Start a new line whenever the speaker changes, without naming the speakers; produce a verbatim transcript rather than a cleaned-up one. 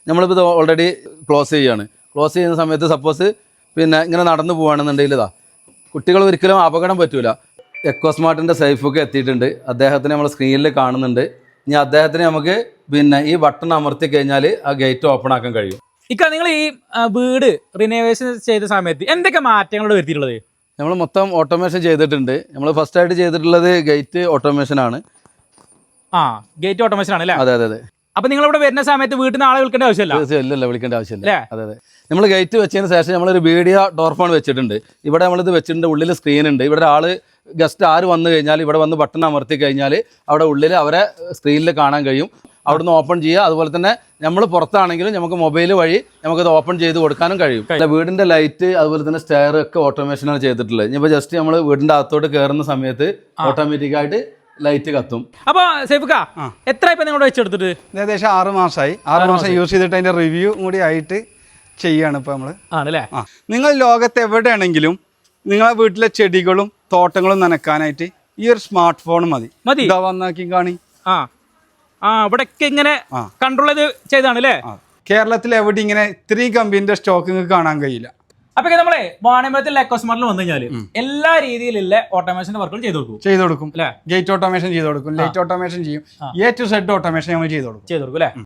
നമ്മളിപ്പോൾ ഇത് already close ചെയ്യുകയാണ്. ക്ലോസ് ചെയ്യുന്ന സമയത്ത് സപ്പോസ് പിന്നെ ഇങ്ങനെ നടന്നു പോവുകയാണെന്നുണ്ടെങ്കിൽ ഇതാ കുട്ടികൾ ഒരിക്കലും അപകടം പറ്റൂല. എക്കോസ്മാർട്ടിൻ്റെ സേഫൊക്കെ എത്തിയിട്ടുണ്ട്. അദ്ദേഹത്തിന് നമ്മൾ സ്ക്രീനിൽ കാണുന്നുണ്ട്. ഇനി അദ്ദേഹത്തിന് നമുക്ക് പിന്നെ ഈ ബട്ടൺ അമർത്തി കഴിഞ്ഞാൽ ആ ഗേറ്റ് ഓപ്പൺ ആക്കാൻ കഴിയും.
ഇക്ക നിങ്ങൾ ഈ വീട് റിനോവേഷൻ ചെയ്ത സമയത്ത് എന്തൊക്കെ മാറ്റങ്ങളോട് വരുത്തിയിട്ടുള്ളത്?
നമ്മൾ മൊത്തം ഓട്ടോമേഷൻ ചെയ്തിട്ടുണ്ട്. നമ്മൾ ഫസ്റ്റ് ആയിട്ട് ചെയ്തിട്ടുള്ളത് ഗേറ്റ് ഓട്ടോമേഷൻ ആണ്.
ആ ഗേറ്റ് ഓട്ടോമേഷൻ ആണ് അല്ലേ?
അതെ അതെ അതെ.
അപ്പൊ നിങ്ങൾ ഇവിടെ വരുന്ന സമയത്ത് വീട്ടിൽ നിന്ന് ആളെ വിളിക്കേണ്ട ആവശ്യമില്ല?
ഇല്ലല്ല, വിളിക്കേണ്ട ആവശ്യമില്ല. അതെ അതെ. നമ്മൾ ഗേറ്റ് വെച്ചതിന് ശേഷം നമ്മളൊരു വീഡിയോ ഡോർ ഫോൺ വെച്ചിട്ടുണ്ട്. ഇവിടെ നമ്മളിത് വെച്ചിട്ടുണ്ട്. ഉള്ളിൽ സ്ക്രീൻ ഉണ്ട്. ഇവിടെ ആൾ ഗസ്റ്റ് ആര് വന്നു കഴിഞ്ഞാൽ ഇവിടെ വന്ന് ബട്ടൺ അമർത്തി കഴിഞ്ഞാൽ അവിടെ ഉള്ളിൽ അവരെ സ്ക്രീനിൽ കാണാൻ കഴിയും. അവിടുന്ന് ഓപ്പൺ ചെയ്യുക. അതുപോലെ തന്നെ നമ്മൾ പുറത്താണെങ്കിലും നമുക്ക് മൊബൈൽ വഴി നമുക്കത് ഓപ്പൺ ചെയ്ത് കൊടുക്കാനും കഴിയും. വീടിൻ്റെ ലൈറ്റ് അതുപോലെ തന്നെ സ്റ്റെയർ ഒക്കെ ഓട്ടോമേഷനാണ് ചെയ്തിട്ടുള്ളത്. ഇനിയിപ്പോൾ ജസ്റ്റ് നമ്മൾ വീടിൻ്റെ അകത്തോട്ട് കയറുന്ന സമയത്ത് ഓട്ടോമാറ്റിക്കായിട്ട് ലൈറ്റ് കത്തും.
അപ്പൊ സേഫ്ക്ക എത്ര ഇപ്പൊ നിങ്ങൾ വെച്ചെടുത്തിട്ട്?
ഏകദേശം ആറ് മാസമായി. ആറ് മാസം യൂസ് ചെയ്തിട്ട് അതിന്റെ റിവ്യൂ കൂടി ആയിട്ട് ചെയ്യാണ് ഇപ്പൊ നമ്മള്.
ആണല്ലേ?
ആ നിങ്ങൾ ലോകത്ത് എവിടെയാണെങ്കിലും നിങ്ങളെ വീട്ടിലെ ചെടികളും തോട്ടങ്ങളും നനക്കാനായിട്ട് ഈ ഒരു സ്മാർട്ട് ഫോൺ മതി.
മതി
ഇതാ വന്നാക്കി കാണി.
ആ ആ ഇവിടൊക്കെ ഇങ്ങനെ കൺട്രോൾ ചെയ്ത് ചെയ്താണ് അല്ലേ?
കേരളത്തിൽ എവിടെ ഇങ്ങനെ ഇത്രയും കമ്പനിന്റെ സ്റ്റോക്ക് കാണാൻ കഴിയില്ല.
അപ്പൊ നമ്മളെ വാണിമത്തിൽ എക്കോസ്മാർട്ടിൽ വന്നു കഴിഞ്ഞാൽ എല്ലാ രീതിയിലുള്ള ഓട്ടോമേഷൻ വർക്കുകൾ ചെയ്തു കൊടുക്കും
ചെയ്തു കൊടുക്കും അല്ലെ? ഗേറ്റ് ഓട്ടോമേഷൻ ചെയ്തു കൊടുക്കും, ലൈറ്റ് ഓട്ടോമേഷൻ ചെയ്യും, എ ടു സെഡ് ഓട്ടോമേഷൻ നമ്മൾ ചെയ്തു കൊടുക്കും
ചെയ്തു കൊടുക്കും അല്ലെ?